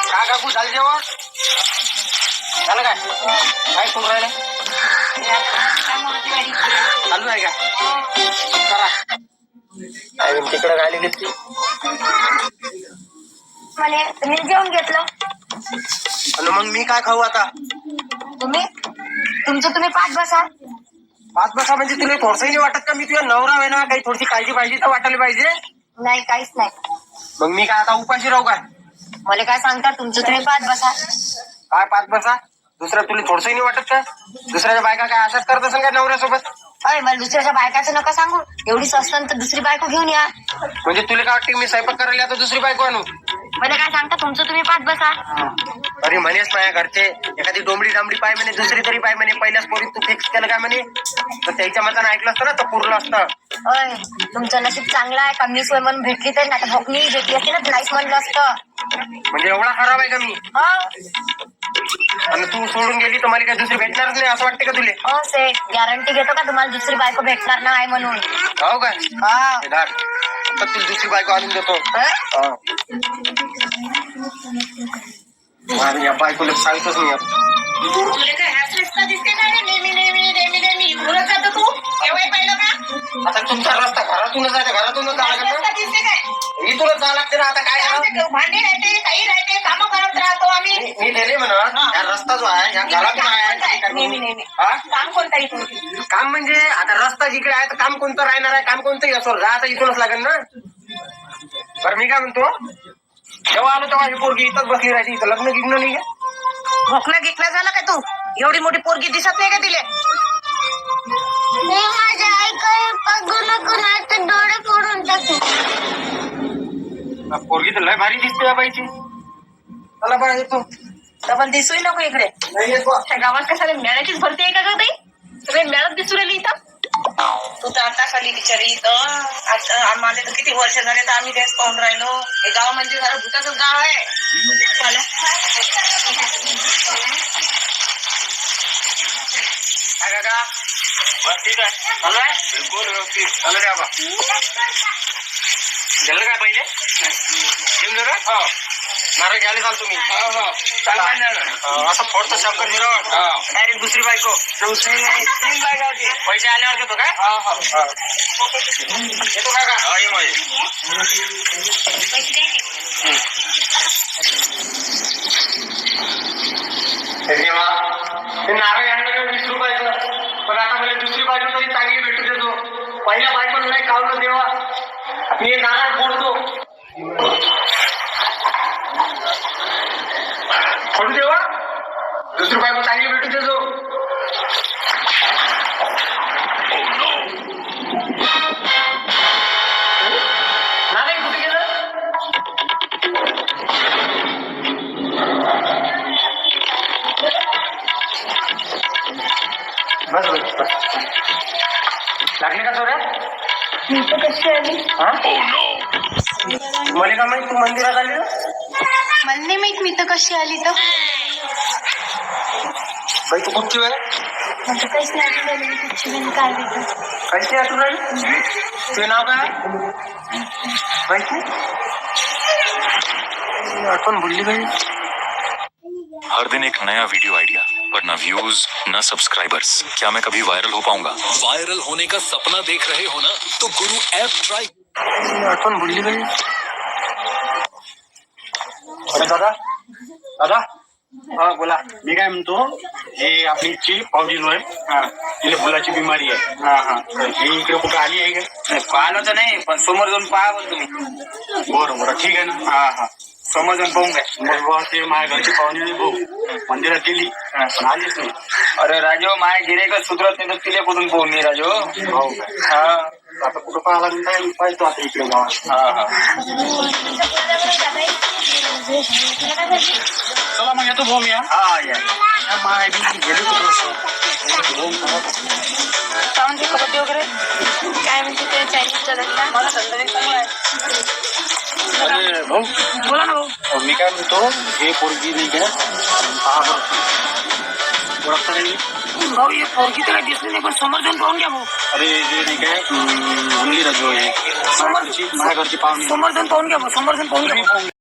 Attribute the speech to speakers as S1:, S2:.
S1: काय काकू झालं जेवण झालं काय काय करून राहिले चालू आहे का करा काय तिकडे गाडी घेतली
S2: मला तुम्ही जेवण घेतलं
S1: आणि मग मी काय खाऊ आता
S2: तुम्ही पाच बसा.
S1: पाच बसा म्हणजे तुला थोडसंही नाही वाटत का मी तुझ्या नवरा आहे ना काही थोडीशी काळजी पाहिजे तर वाटायला पाहिजे
S2: नाही काहीच नाही.
S1: मग मी काय आता उपाशी राहू काय
S2: मला काय सांगता तुम्ही पाच बसा.
S1: काय पाच बसा दुसरं तुला थोडसंही नाही वाटत का दुसऱ्याच्या बायका काय अशाच करत असेल का नवऱ्यासोबत
S2: अरे मला दुसऱ्याच्या बायकाचं नका सांगू एवढी स्वस्त तर दुसरी बायको घेऊन या.
S1: म्हणजे तुला काय वाटतं मी स्वयंपाक करायला आता दुसरी बायको आणू
S2: मला काय सांगता तुम्ही पाच बसा.
S1: अरे म्हणेस माझ्या घरचे एखादी डोंबडी डांबडी पाय म्हणे दुसरी तरी पाय म्हणे पहिल्याच पोरी तू फिक्स केलं काय म्हणे तर त्याच्या मतानं ऐकलं असतं ना तर पुरलं असतं.
S2: अय तुमचं नशीब चांगलं आहे कमी सोय म्हणून भेटली तर नाही भोकणी भेटली असती ना नाहीच म्हणलं असतं.
S1: म्हणजे एवढा खराब आहे का मी आणि तू सोडून गेली तर मला काय दुसरी भेटणारच नाही असं वाटतं का तुले
S2: हो सेठ गॅरंटी घेतो का तुम्हाला दुसरी बायको भेटणार नाही म्हणून.
S1: हो काय
S2: हा
S1: तर तुला दुसरी बायको आणून देतो या बायकोला सांगतोच नाही
S2: तुला काय ह्याच रस्ता दिसते का नेहमी घुरत जातो तू केव्हा पाहिलं का
S1: आता तुमचा रस्ता घरातूनच आहे घरातूनच जावं लागेल
S2: रस्ता दिसते काय
S1: इथूनच जावं लागते ना आता काय
S2: भांडे राहते काही राहते कामं करत राहतो आम्ही.
S1: मी ते नाही म्हणत या रस्ता जो आहे या घरातून आहे
S2: नेहमी
S1: हा?
S2: काम कोणता इथून
S1: काम म्हणजे आता रस्ता जिकडे आहे तर काम कोणतं राहणार आहे काम कोणतंही असो जा आता इथूनच लागेल ना. बरं मी काय म्हणतो जेव्हा आलो तेव्हा ही पोरगी इथंच बसली राहायची इथं लग्न गिग्न नाही आहे.
S2: भोकणं गिकणं झालं का तू एवढी मोठी पोरगी दिसत नाही का तिले. माझ्या आई काय बघू नको नाही तर डोळे फोडून टाकू.
S1: पोरगी तर लय भारी दिसते या बाईची चला बा येतो
S2: डबल दिसूही नको इकडे
S1: नाही येत बा.
S2: त्या गावात कशाला मेळ्याचीच भरती आहे का ग ताई सगळे मेळ्यात दिसू राहिली इथं. तू तर आता खाली बिचारी इथं आता आम्हाला तर किती वर्ष झाले तर आम्ही तेच पाहून राहिलो हे गाव म्हणजे जरा भूताचंच गाव आहे.
S1: काय काका बस ठीक आहे चालू आहे बिलकुल व्यवस्थित चालू द्या बा गेलं काय पहिले घेऊन जा का हो नारळ घ्यायला चाल तुम्ही असं फोडतो शंकर मिरवण डायरेक्ट दुसरी बायको तीन बायका होती पैसे आल्यावर देतो काय येतो का ते नारळ घ्यायला काय 20 रुपयाचं पण आता मला दुसरी बायको तरी चांगली भेटू देतो पहिल्या बायकोला नाही कावलं देवा मी नारळ फोडतो फोडू देवा दुसरी बायको चांगली भेटू देतो. नारळ कुठे गेलं बस बस बस लागले का चोऱ्या
S2: कशी आली
S1: मला का माहिती तू मंदिरात आली ना
S2: मला नाही माहित मी तर कशी आली तर
S1: बाई तू कुठची आहे
S2: म्हणजे काहीच नाही काय देतो
S1: कशी आठवण राहिली तुझे नाव काय माहिती आठवण भुलली बाई.
S3: हर दिन एक नया वीडियो आइडिया पर न व्यूज न सब्सक्राइबर्स क्या मैं कभी वायरल हो पाऊंगा। वायरल होने का सपना देख रहे हो ना तो गुरु ऐप ट्राई
S1: आठवण भुलली बाई. अरे दादा दादा हा बोला.
S4: मी काय म्हणतो हे आपली ची पावजीलो आहे तिला फुलाची बिमारी आहे ही इकडे कुठं आली आहे का
S1: पाहिलं तर नाही पण समोर जाऊन पाहा बोल तुम्ही
S4: बरं बरं ठीक आहे ना हा
S1: समोर जाऊन पाहून काय
S4: मग बुवा ते माझ्या घरची पाहुणे नाही भाऊ मंदिरात गेली पण आलीच नाही.
S1: अरे राजो माय गिरेकच सुधरत नाही तर तिला कुठून पाहून नाही राजो
S4: हो काय
S1: हा
S4: आता कुठं पाहायला लागेल काय पाहतो आता इकडे गावात. चला मग येतो भाऊ मी
S1: हा या
S4: माय गेली
S2: पाहून कबड्डी वगैरे काय म्हणते ते चायनीजचा धंदा मला संध्याकाळी चांगला आहे.
S4: अरे भाऊ
S2: बोला ना भाऊ.
S4: मी काय म्हणतो हे पोरगी नाही का पहा बरं ओळखता नाही
S2: भाऊ हे पोरगी तर काही दिसली नाही पण समोर जाऊन पाहून घ्या भाऊ.
S4: अरे जे नाही काय मुलगी राजू आहे
S2: समोर
S4: माझ्या घरची पाहुणे
S2: समोर जाऊन पाहून घ्या भाऊ समोर जाऊन पाहून घ्या.